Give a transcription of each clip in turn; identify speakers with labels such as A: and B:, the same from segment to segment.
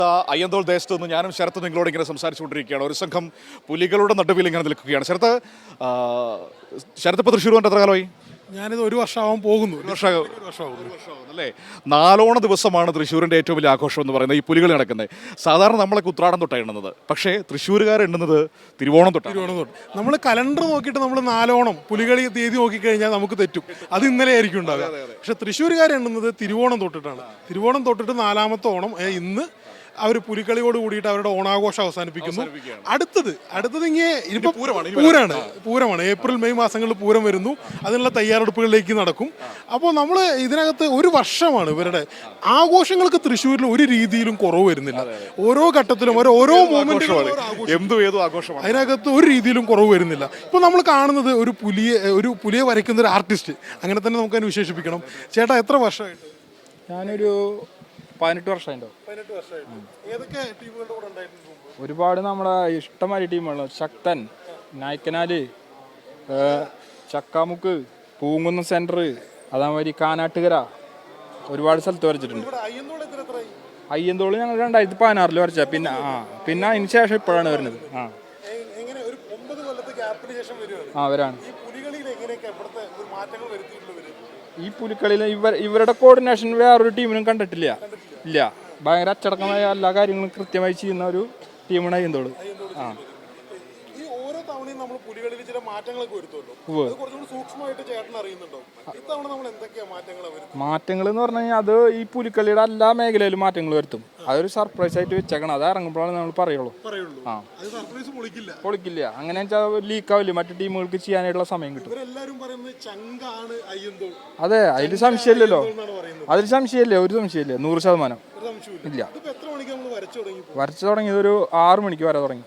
A: അയ്യന്തോൾ ദേശത്ത് നിന്ന് ഞാനും ശരത്ത് നിങ്ങളോട് ഇങ്ങനെ സംസാരിച്ചുകൊണ്ടിരിക്കുകയാണ്. ഒരു സംഘം പുലികളുടെ നടുവിൽ ഇങ്ങനെ നിൽക്കുകയാണ്. ശരത്ത് ഇപ്പോൾ തൃശ്ശൂർ വന്നിട്ട് എത്ര കാലമായി?
B: ഞാനിത് ഒരു വർഷമാവാൻ പോകുന്നു.
A: ഒരു വർഷമാകുന്നല്ലേ? നാലോണ ദിവസമാണ് തൃശ്ശൂരിൻ്റെ ഏറ്റവും വലിയ ആഘോഷം എന്ന് പറയുന്നത് ഈ പുലികൾ നടക്കുന്നത്. സാധാരണ നമ്മളൊക്കെ ഉത്രാടം തൊട്ടാണ് എണ്ണുന്നത്, പക്ഷേ തൃശ്ശൂരുകാർ എണ്ണുന്നത് തിരുവോണം തൊട്ട്.
B: നമ്മൾ കലണ്ടർ നോക്കിയിട്ട് നമ്മൾ നാലോണം പുലികളി തീയതി നോക്കിക്കഴിഞ്ഞാൽ നമുക്ക് തെറ്റും. അത് ഇന്നലെ ആയിരിക്കും ഉണ്ടാവുക. പക്ഷെ തൃശ്ശൂരുകാർ എണ്ണുന്നത് തിരുവോണം തൊട്ടിട്ടാണ്. തിരുവോണം തൊട്ടിട്ട് നാലാമത്തെ ഓണം ഇന്ന് അവർ പുലിക്കളിയോട് കൂടിയിട്ട് അവരുടെ ഓണാഘോഷം അവസാനിപ്പിക്കുന്നു. അടുത്തത് ഇനിയിപ്പോൾ പൂരമാണ്. ഏപ്രിൽ മെയ് മാസങ്ങളിൽ പൂരം വരുന്നു. അതിനുള്ള തയ്യാറെടുപ്പുകളിലേക്ക് നടക്കും. അപ്പോൾ നമ്മൾ ഇതിനകത്ത് ഒരു വർഷമാണ് ഇവരുടെ ആഘോഷങ്ങൾക്ക് തൃശ്ശൂരിൽ ഒരു രീതിയിലും കുറവ് വരുന്നില്ല. ഓരോ ഘട്ടത്തിലും ഓരോ മൊമെന്റും അതിനകത്ത് ഒരു രീതിയിലും കുറവ് വരുന്നില്ല. ഇപ്പോൾ നമ്മൾ കാണുന്നത് ഒരു പുലിയെ വരയ്ക്കുന്ന ഒരു ആർട്ടിസ്റ്റ്, അങ്ങനെ തന്നെ നമുക്ക് അതിനെ വിശേഷിപ്പിക്കണം. ചേട്ടാ എത്ര വർഷമായിട്ട്?
C: ഞാനൊരു 18 വർഷമായിട്ടോ. ഒരുപാട് നമ്മളെ ഇഷ്ടമായ ടീമുകൾ, ശക്തൻ, നായ്ക്കനാല്, ചക്കാമുക്ക്, പൂങ്കുന്നം സെന്റർ, അതേമാതിരി കാനാട്ടുകര, ഒരുപാട് സ്ഥലത്ത് വരച്ചിട്ടുണ്ട്. അയ്യന്തോള് ഞങ്ങൾ 2016 വരച്ച. പിന്നെ അതിന് ശേഷം ഇപ്പോഴാണ് വരുന്നത്. വരാണ്. ഈ പുലിക്കളിയിൽ ഇവരുടെ കോർഡിനേഷൻ വേറൊരു ടീമിനും കണ്ടിട്ടില്ല. ഭയങ്കര അച്ചടക്കമായ എല്ലാ കാര്യങ്ങളും കൃത്യമായി ചെയ്യുന്ന ഒരു ടീമാണ് അയ്യന്തോള്. മാറ്റങ്ങൾ എന്ന് പറഞ്ഞു കഴിഞ്ഞാൽ അത് ഈ പുലിക്കളിയുടെ എല്ലാ മേഖലയിലും മാറ്റങ്ങൾ വരുത്തും. അതൊരു സർപ്രൈസ് ആയിട്ട് വെച്ചേക്കണം. അത് ഇറങ്ങുമ്പോഴാണ് നമ്മൾ പറയുള്ളൂ. പൊളിക്കില്ല. അങ്ങനെ വെച്ചാൽ ലീക്കാവില്ല, മറ്റു ടീമുകൾക്ക് ചെയ്യാനായിട്ടുള്ള സമയം കിട്ടും. അതെ, അതിൽ സംശയമില്ലല്ലോ. ഒരു സംശയമില്ല. 100% ഇല്ല. വരച്ചു തുടങ്ങിയത് ഒരു 6 മണിക്ക് വരെ തുടങ്ങി.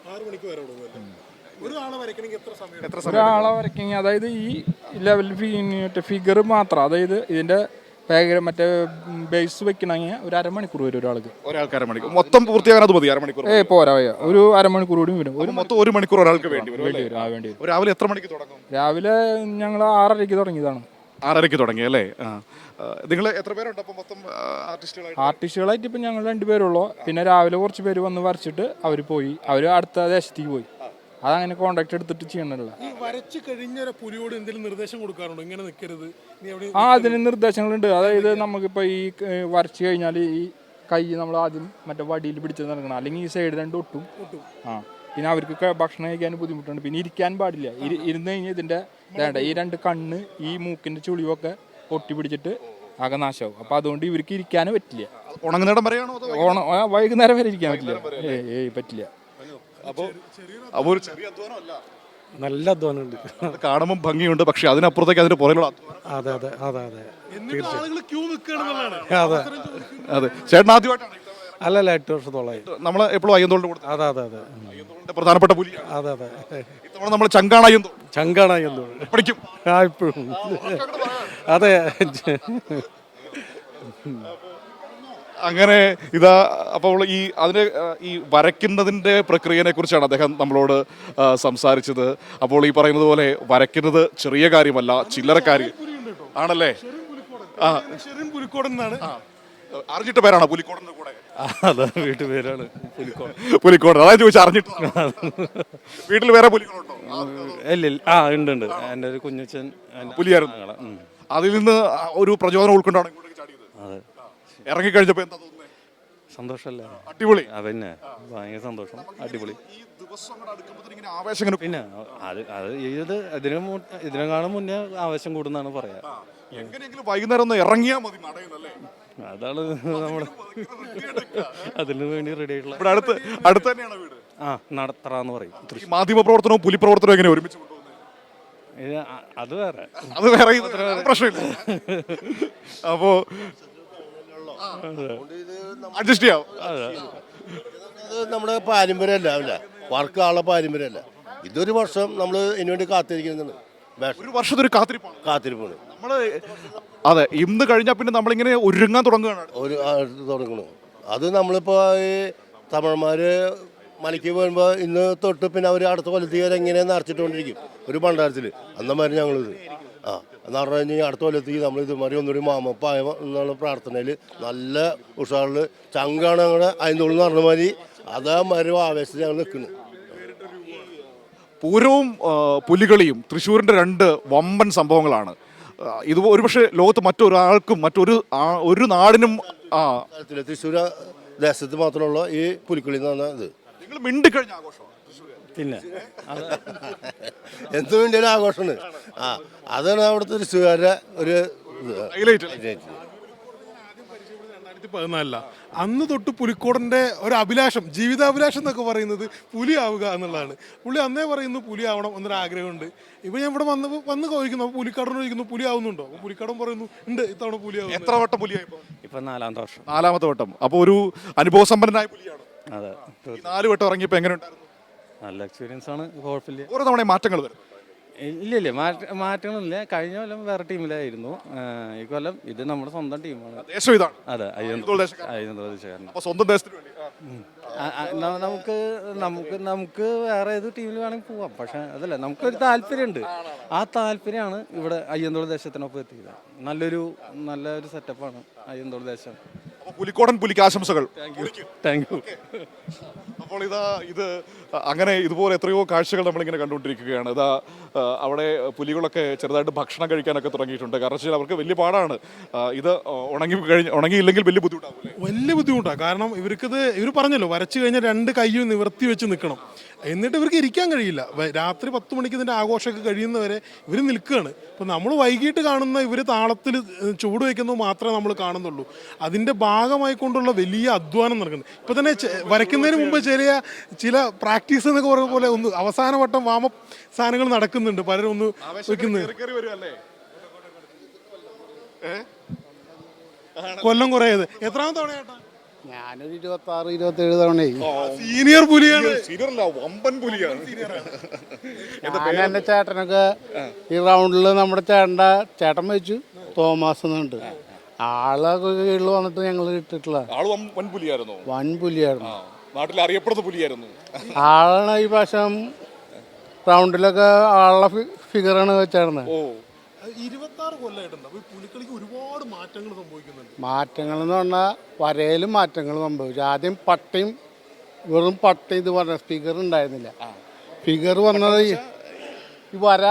C: ഒരാളെ വരയ്ക്കണമെങ്കിൽ അതായത് ഈ ലെവൽ ഫിഗർ മാത്രം, അതായത് ഇതിന്റെ മറ്റേ ബേസ് വെക്കണമെങ്കിൽ ഒരു അരമണിക്കൂർ വരും ഒരാൾക്ക്.
A: മൊത്തം പൂർത്തിയാകാൻ അത് മതി അരമണിക്കൂർ?
C: പോരാ, ഒരു അരമണിക്കൂർ കൂടി വരും.
A: മൊത്തം 1 മണിക്കൂർ ഒരാൾക്ക് വേണ്ടി വരും. രാവിലെ എത്ര മണിക്ക് തുടങ്ങും?
C: രാവിലെ ഞങ്ങൾ 6:30 തുടങ്ങിയതാണ്.
A: 6:30 തുടങ്ങി അല്ലേ? നിങ്ങൾ എത്ര പേരുണ്ട് അപ്പം മൊത്തം
C: ആർട്ടിസ്റ്റുകളായിട്ട്? ഇപ്പം ഞങ്ങൾ 2 പേരുള്ളൂ. പിന്നെ രാവിലെ കുറച്ച് പേര് വന്ന് വരച്ചിട്ട് അവർ അടുത്ത ദേശത്തേക്ക് പോയി. അതങ്ങനെ കോണ്ടാക്ട് എടുത്തിട്ട് ചെയ്യണല്ലോ.
B: പുലിയോട് എന്തെങ്കിലും നിർദ്ദേശം കൊടുക്കാറുണ്ടോ? ഇങ്ങനെ നിൽക്കരുത്.
C: അതിന് നിർദ്ദേശങ്ങളുണ്ട്. അതായത് നമുക്കിപ്പോൾ ഈ വരച്ച് കഴിഞ്ഞാൽ ഈ കൈ നമ്മൾ ആദ്യം മറ്റേ വടിയിൽ പിടിച്ച് നടക്കണം, അല്ലെങ്കിൽ ഈ സൈഡ് 2 ഒട്ടും. പിന്നെ അവർക്ക് ഭക്ഷണം കഴിക്കാൻ ബുദ്ധിമുട്ടുണ്ട്. പിന്നെ ഇരിക്കാൻ പാടില്ല. ഇരുന്ന് കഴിഞ്ഞാൽ ഇതിന്റെ ഈ 2 കണ്ണ്, ഈ മൂക്കിന്റെ ചുളിവൊക്കെ ഒട്ടി പിടിച്ചിട്ട് ആകെ നാശമാവും. അപ്പൊ അതുകൊണ്ട് ഇവർക്ക് ഇരിക്കാനും പറ്റില്ല. വൈകുന്നേരം വരെ ഇരിക്കാൻ പറ്റില്ല. പറ്റില്ല.
B: നല്ല അധ്വാനമുണ്ട്.
A: കാണുമ്പോൾ ഭംഗിയുണ്ട്, പക്ഷെ അതിനപ്പുറത്തേക്ക് അതിന്റെ പുറകിലുള്ള അതെ. ചേട്ടൻ ആദ്യമായിട്ടാണ്?
B: അല്ലല്ല, 8 വർഷത്തോളമായി.
A: നമ്മൾ എപ്പോഴും അയ്യന്തോളിന്റെ കൂടെ.
B: അതെ.
A: പ്രധാനപ്പെട്ട പുലി.
B: അതെ.
A: ഇത്തവണ നമ്മൾ ചങ്കാണ്
B: അയ്യന്തോൾ
A: പഠിക്കും
B: ഇപ്പോഴും. അതെ.
A: അങ്ങനെ അപ്പോൾ ഈ വരയ്ക്കുന്നതിന്റെ പ്രക്രിയനെ കുറിച്ചാണ് അദ്ദേഹം നമ്മളോട് സംസാരിച്ചത്. അപ്പോൾ ഈ പറയുന്നത് പോലെ വരയ്ക്കുന്നത് ചെറിയ കാര്യമല്ല, ചില്ലറ കാര്യം ആണല്ലേ? അറിഞ്ഞിട്ട പേരാണോ പുലിക്കോടന്റെ കൂടെ?
B: വീട്ടുപേരാണ്
A: പുലിക്കോട്. അതായത് ചോദിച്ചാൽ അറിഞ്ഞിട്ട്. വീട്ടിൽ വേറെ പുലികളുണ്ടോ?
B: ഉണ്ട്. എൻ്റെ ഒരു കുഞ്ഞച്ഛൻ
A: പുലിയായിരുന്നു. അതിൽ നിന്ന് ഒരു പ്രചോദനം ഉൾക്കൊണ്ടാണ് ഇങ്ങോട്ടേക്ക് ചാടിയത്. ഇറങ്ങിക്കഴിഞ്ഞപ്പോ എന്താ തോന്നുന്നത്?
B: സന്തോഷല്ലേ?
A: അടിപൊളി.
B: പിന്നെ ഭയങ്കര സന്തോഷം. അടിപൊളി.
A: പിന്നെ
B: ഇതിനെക്കാളും മുന്നേ ആവേശം കൂടുന്നാണ് പറയാ.
A: എങ്ങനെയെങ്കിലും വൈകുന്നേരം ഒന്ന് ഇറങ്ങിയാൽ മതി നടയുന്നല്ലേ?
B: അതാണ് നമ്മള് അതിന് വേണ്ടി റെഡി ആയിട്ടുള്ള.
A: ഇവിടെ അടുത്ത് തന്നെയാണ് വീട്.
B: നടത്തറാന്ന് പറയും.
A: മാധ്യമ പ്രവർത്തനവും പുലിപ്രവർത്തനവും എങ്ങനെ ഒരുമിച്ച് കൊണ്ടുപോകുന്നത്?
B: അത് വേറെ
A: പ്രശ്നമില്ല. അപ്പോ അഡ്ജസ്റ്റ് ചെയ്യാം.
D: നമ്മുടെ പാരമ്പര്യമല്ല, വർക്കാനുള്ള പാരമ്പര്യമല്ല. ഇതൊരു വർഷം നമ്മൾ ഇതിനു വേണ്ടി കാത്തിരിക്കുന്നുണ്ട്.
A: ഒരു വർഷത്തൊരു
D: കാത്തിരിപ്പാണ്
A: നമ്മള്. അതെ, ഇന്ന് കഴിഞ്ഞാൽ പിന്നെ നമ്മളിങ്ങനെ ഒരുങ്ങാൻ തുടങ്ങുകയാണ്.
D: തുടങ്ങണം. അത് നമ്മളിപ്പോൾ ഈ തമിഴന്മാര് മലയ്ക്ക് പോകുമ്പോൾ ഇന്ന് തൊട്ട് പിന്നെ അവർ അടുത്ത കൊല്ലത്തേക്ക് വരെ എങ്ങനെ നിറച്ചിട്ടുകൊണ്ടിരിക്കും ഒരു ഭണ്ഡാരത്തിൽ. അന്നമാതിരി ഞങ്ങളിത് ആ എന്ന് പറഞ്ഞു കഴിഞ്ഞാൽ അടുത്ത കൊല്ലത്തേക്ക് നമ്മൾ ഇതുമാതിരി ഒന്നുകൂടി മാമപ്പായ എന്നുള്ള പ്രാർത്ഥനയിൽ നല്ല ഉഷാറിൽ ചങ്കാണ് ഞങ്ങളുടെ അയന്തോളം എന്ന് പറഞ്ഞ മാതിരി അതേമാതിരി ആവേശത്തിൽ ഞങ്ങൾ നിൽക്കുന്നു.
A: പൂരവും പുലികളിയും തൃശ്ശൂരിൻ്റെ രണ്ട് വമ്പൻ സംഭവങ്ങളാണ്. ഇത് ഒരുപക്ഷെ ലോകത്ത് മറ്റൊരാൾക്കും ഒരു നാടിനും
D: തൃശ്ശൂർ ദേശത്ത് മാത്രമുള്ള ഈ പുലിക്കളി എന്ന് പറഞ്ഞാൽ ഇത്
A: നിങ്ങൾ മിണ്ടിക്കഴിഞ്ഞ ആഘോഷം
E: പിന്നെ
D: എന്ത് വേണ്ടിയാലും ആഘോഷമാണ്. ആ അതാണ് അവിടുത്തെ തൃശ്ശൂരുകാരുടെ ഒരു
A: ഹൈലൈറ്റ്.
B: 2014 അന്ന് തൊട്ട് പുലിക്കോടൻ്റെ ഒരു അഭിലാഷം, ജീവിതാഭിലാഷം എന്നൊക്കെ പറയുന്നത് പുലിയാവുക എന്നുള്ളതാണ്. പുള്ളി അന്നേ പറയുന്നു പുലിയാവണം എന്നൊരു ആഗ്രഹമുണ്ട്. ഇപ്പം ഞാൻ ഇവിടെ വന്ന് ചോദിക്കുന്നു, അപ്പോൾ പുലിക്കാടൻ ചോദിക്കുന്നു പുലിയാവുന്നുണ്ടോ? അപ്പോൾ പുലിക്കാടൻ പറയുന്നു ഉണ്ട്, ഇത്തവണ പുലിയാവും.
A: എത്ര വട്ടം പുലിയായി?
E: ഇപ്പം 4ാമത്തെ വർഷം.
A: 4ാമത്തെ വട്ടം. അപ്പോൾ ഒരു അനുഭവസമ്പന്നനായ പുലിയാണ്.
E: അതെ,
A: 4 വട്ടം ഇറങ്ങിയപ്പോൾ എങ്ങനെ ഉണ്ടായിരുന്നു?
E: നല്ല എക്സ്പീരിയൻസ് ആണ്, കുഴപ്പമില്ല.
A: ഓരോ തവണ മാറ്റങ്ങൾ വരും.
E: ഇല്ല മാറ്റങ്ങളില്ല. കഴിഞ്ഞ കൊല്ലം വേറെ ടീമിലായിരുന്നു, ഈ കൊല്ലം ഇത് നമ്മുടെ സ്വന്തം ടീമാണ്.
A: ദേശം ഇതാണ്.
E: അതെ,
A: അയ്യന്തോൾ ദേശക്കാരൻ.
E: അയ്യന്തോൾ ദേശക്കാരൻ.
A: അപ്പോൾ സ്വന്തം ദേശത്തിന് വേണ്ടി
E: നമുക്ക് വേറെ ഏത് ടീമിൽ വേണമെങ്കിൽ പോവാം. പക്ഷെ അതല്ല, നമുക്കൊരു താല്പര്യമുണ്ട്. ആ താല്പര്യമാണ് ഇവിടെ അയ്യന്തോൾ ദേശത്തിനൊപ്പം എത്തിയത്. നല്ലൊരു സെറ്റപ്പാണ് അയ്യന്തോൾ ദേശം.
A: അപ്പോൾ പുലിക്കോടൻ പുലിക്ക് ആശംസകൾ.
E: Thank you.
A: അപ്പോൾ ഇത് അങ്ങനെ ഇതുപോലെ എത്രയോ കാഴ്ചകൾ നമ്മളിങ്ങനെ കണ്ടുകൊണ്ടിരിക്കുകയാണ്. അവിടെ പുലികളൊക്കെ ചെറുതായിട്ട് ഭക്ഷണം കഴിക്കാനൊക്കെ തുടങ്ങിയിട്ടുണ്ട്. കാരണം വെച്ചാൽ അവർക്ക് വലിയ പാടാണ്. ഇത് ഉണങ്ങിയില്ലെങ്കിൽ വലിയ ബുദ്ധിമുട്ടാവും.
B: വലിയ ബുദ്ധിമുട്ടാണ്. കാരണം ഇവർ പറഞ്ഞല്ലോ, വരച്ചു കഴിഞ്ഞാൽ 2 കൈയും നിവർത്തി വെച്ച് നിൽക്കണം. എന്നിട്ട് ഇവർക്ക് ഇരിക്കാൻ കഴിയില്ല. രാത്രി 10 മണിക്ക് ഇതിൻ്റെ ആഘോഷമൊക്കെ കഴിയുന്നവരെ ഇവർ നിൽക്കുകയാണ്. ഇപ്പം നമ്മൾ വൈകിട്ട് കാണുന്ന ഇവർ താളത്തിൽ ചൂട് വയ്ക്കുന്നത് മാത്രമേ നമ്മൾ കാണുന്നുള്ളൂ. അതിൻ്റെ ഭാഗമായി കൊണ്ടുള്ള വലിയ അധ്വാനം നടക്കുന്നുണ്ട്. ഇപ്പം തന്നെ വരയ്ക്കുന്നതിന് മുമ്പ് ചില പ്രാക്ടീസ് എന്നൊക്കെ പറയുന്ന പോലെ ഒന്ന് അവസാന വട്ടം വാമപ്പ് സാധനങ്ങൾ നടക്കുന്നുണ്ട്. പലരും ഒന്ന് വെക്കുന്നത്. കൊല്ലം കുറേത് എത്രാമത്തെ തവണയായിട്ടാ?
F: ഞാനൊരു 26-27 തവണയായി.
B: സീനിയർ പുലിയാണ്.
A: വമ്പൻ പുലിയാണ്.
F: ഞാൻ എൻ്റെ ചേട്ടനൊക്കെ ഈ റൗണ്ടിൽ നമ്മുടെ ചേട്ടൻ വെച്ചു തോമസ് എന്നുണ്ട്. ആളൊക്കെ കീഴിൽ വന്നിട്ട് ഞങ്ങൾ ഇട്ടിട്ടുള്ള
A: വൻ പുലിയായിരുന്നു.
F: വൻ പുലിയായിരുന്നു.
A: നാട്ടിൽ അറിയപ്പെടുന്ന പുലിയായിരുന്നു.
F: ആളാണ് ഈ പ്രാവശ്യം റൗണ്ടിലൊക്കെ ആളുടെ ഫിഗറാണ് വെച്ചായിരുന്നത്.
B: 26 കൊല്ലമായിട്ടുണ്ട്. അപ്പോൾ പുലിക്കളിക്ക് ഒരുപാട് മാറ്റങ്ങൾ സംഭവിക്കുന്നുണ്ട്.
F: മാറ്റങ്ങൾ എന്ന് പറഞ്ഞാൽ വരയിലും മാറ്റങ്ങൾ സംഭവിച്ചു. ആദ്യം വെറും പട്ടയും ഇത് പറഞ്ഞ ഫിഗർ ഉണ്ടായിരുന്നില്ല. ഫിഗർ വന്നത് ഈ വര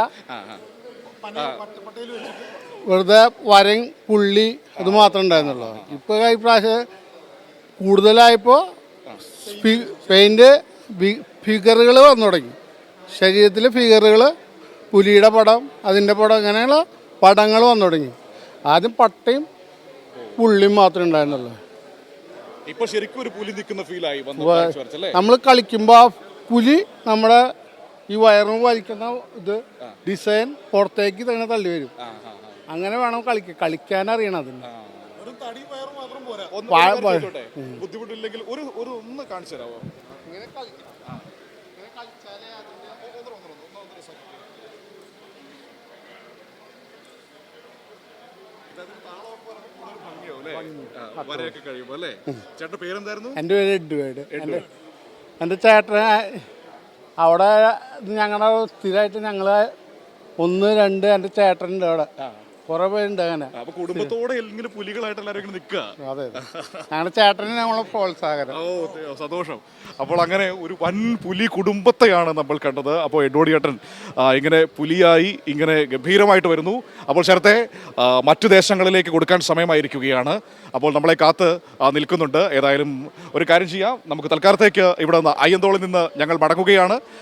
F: വെറുതെ വരയും പുള്ളി അത് മാത്രമേ ഉണ്ടായിരുന്നുള്ളൂ. ഇപ്പോൾ ഈ പ്രാവശ്യം കൂടുതലായപ്പോൾ പെയിൻറ് ഫിഗറുകൾ വന്നു തുടങ്ങി. ശരീരത്തിലെ ഫിഗറുകൾ, പുലിയുടെ പടം, അതിൻ്റെ പടം, ഇങ്ങനെയുള്ള പടങ്ങൾ വന്നു തുടങ്ങി. ആദ്യം പട്ടയും പുള്ളിയും മാത്രമേ ഉണ്ടായിരുന്നുള്ളൂ.
A: ഇപ്പൊ ശരിക്കും ഒരു പുലി നിൽക്കുന്ന ഫീലായി.
F: നമ്മൾ കളിക്കുമ്പോൾ ആ പുലി നമ്മുടെ ഈ വയറും വലിക്കുന്ന ഇത് ഡിസൈൻ പുറത്തേക്ക് തന്നെ തള്ളി വരും. അങ്ങനെ വേണം കളിക്കാൻ അറിയണം. അതിന്
A: ബുദ്ധിമുട്ടില്ലെങ്കിൽ ഒന്ന് കാണിച്ചു തരാമോ? ചേട്ടന്റെ പേരെന്തായിരുന്നു?
F: എൻ്റെ പേര് എഡ്വേർഡ്. എൻ്റെ ചേട്ടൻ അവിടെ ഞങ്ങളുടെ സ്ഥിരമായിട്ട് ഞങ്ങൾ 1, 2 എൻ്റെ ചേട്ടനുണ്ട് അവിടെ. കുറെ പേരുണ്ട് അങ്ങനെ.
A: കുടുംബത്തോടെ പുലികളായിട്ട് എല്ലാവരും നിൽക്കുക.
F: അതെ, ഞങ്ങളുടെ ചേട്ടന് ഞങ്ങളെ പ്രോത്സാഹനം.
A: സന്തോഷം. അപ്പോൾ അങ്ങനെ ഒരു വൻ പുലി കുടുംബത്തെയാണ് നമ്മൾ കണ്ടത്. അപ്പോൾ എഡ്വേർഡ് ചേട്ടൻ ഇങ്ങനെ പുലിയായി ഇങ്ങനെ ഗംഭീരമായിട്ട് വരുന്നു. അപ്പോൾ ചേർത്തെ മറ്റു ദേശങ്ങളിലേക്ക് കൊടുക്കാൻ സമയമായിരിക്കുകയാണ്. അപ്പോൾ നമ്മളെ കാത്ത് നിൽക്കുന്നുണ്ട്. ഏതായാലും ഒരു കാര്യം ചെയ്യാം, നമുക്ക് തൽക്കാലത്തേക്ക് ഇവിടെ നിന്ന് അയ്യന്തോളിൽ നിന്ന് ഞങ്ങൾ മടങ്ങുകയാണ്.